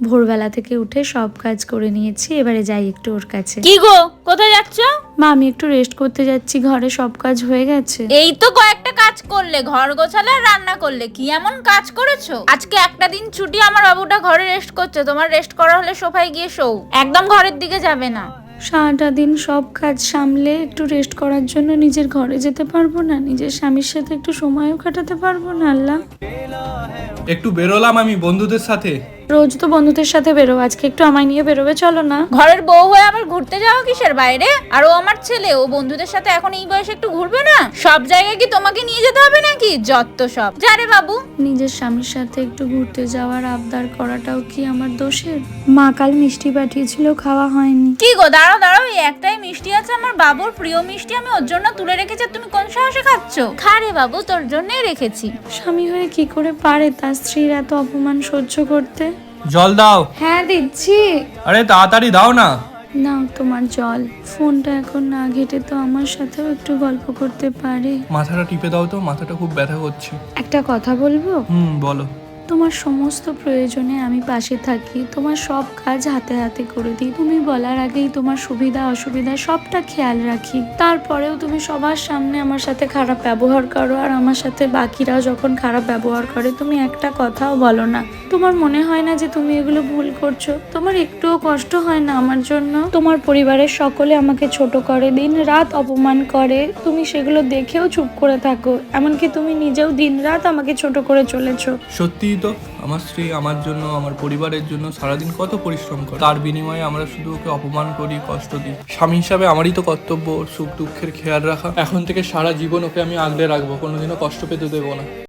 ভোরবেলা থেকে উঠে সব কাজ করে নিয়েছি, এবারে যাই একটু ওর কাছে। কি গো, কোথায় যাচ্ছ? মা, আমি একটু রেস্ট করতে যাচ্ছি, ঘরে সব কাজ হয়ে গেছে। এই তো কয়েকটা কাজ করলে, ঘর গোছালে আর রান্না করলে, কি এমন কাজ করেছো? আজকে একটা দিন ছুটি, আমার বাবুটা ঘরে রেস্ট করছে, তোমার রেস্ট করা হলে সোফায় গিয়ে শোও, একদম ঘরের দিকে যাবে না। সারাটা দিন সব কাজ সামলে একটু রেস্ট করার জন্য নিজের ঘরে যেতে পারবো না? নিজের স্বামীর সাথে একটু সময়ও কাটাতে পারবো না? আল্লাহ, একটু বেরোলাম আমি বন্ধুদের সাথে। রোজ তো বন্ধুদের সাথে বেরো, আজকে একটু আমায় নিয়ে বেরোবে, চলো না। ঘরের বউ হয়ে আবার ঘুরতে যাওয়া কিসের বাইরে? আর ও আমার ছেলে, ও বন্ধুদের সাথে এখন এই বয়সে একটু ঘুরবে না? সব জায়গায় কি তোমাকে নিয়ে যেতে হবে নাকি? যত সব। যা রে বাবু। নিজের স্বামীর সাথে একটু ঘুরতে যাওয়ার আবদার করাটাও কি আমার দোষের? মা কাল মিষ্টি পাঠিয়েছিল, খাওয়া হয়নি। কি গো, দাঁড়াও দাঁড়াও, এই একটাই মিষ্টি আছে, আমার বাবুর প্রিয় মিষ্টি, আমি ওর জন্য তুলে রেখেছি, তুমি কোন সাহসে খাচ্ছ? খা রে বাবু, তোর জন্যই রেখেছি। স্বামী হয়ে কি করে পারে তার স্ত্রীর এত অপমান সহ্য করতে? জল দাও। হ্যাঁ দিচ্ছি। আরে তাড়াতাড়ি দাও না। নাও তোমার জল। ফোনটা এখন না ঘেটে তো আমার সাথেও একটু গল্প করতে পারে। মাথাটা টিপে দাও তো, মাথাটা খুব ব্যথা করছে। একটা কথা বলবো? বলো। তোমার সমস্ত প্রয়োজনে আমি পাশে থাকি, তোমার সব কাজ হাতে হাতে করে দিই, তুমি বলার আগেই তোমার সুবিধা অসুবিধা সবটা খেয়াল রাখি। তারপরেও তুমি সবার সামনে আমার সাথে খারাপ ব্যবহার করো, আর আমার সাথে বাকিরাও যখন খারাপ ব্যবহার করে তুমি একটা কথাও বলো না। তোমার মনে হয় না যে তুমি এগুলো ভুল করছো? তোমার একটুও কষ্ট হয় না আমার জন্য? তোমার পরিবারের সকলে আমাকে ছোট করে, দিন রাত অপমান করে, তুমি সেগুলো দেখেও চুপ করে থাকো, এমনকি তুমি নিজেও দিন রাত আমাকে ছোট করে চলেছো। সত্যিই তো, আমার স্ত্রী আমার জন্য, আমার পরিবারের জন্য সারাদিন কত পরিশ্রম করে, তার বিনিময়ে আমরা শুধু ওকে অপমান করি, কষ্ট দিই। স্বামী হিসাবে আমারই তো কর্তব্য ওর সুখ দুঃখের খেয়াল রাখা। এখন থেকে সারা জীবন ওকে আমি আগলে রাখবো, কোনোদিনও কষ্ট পেতে দেবো না।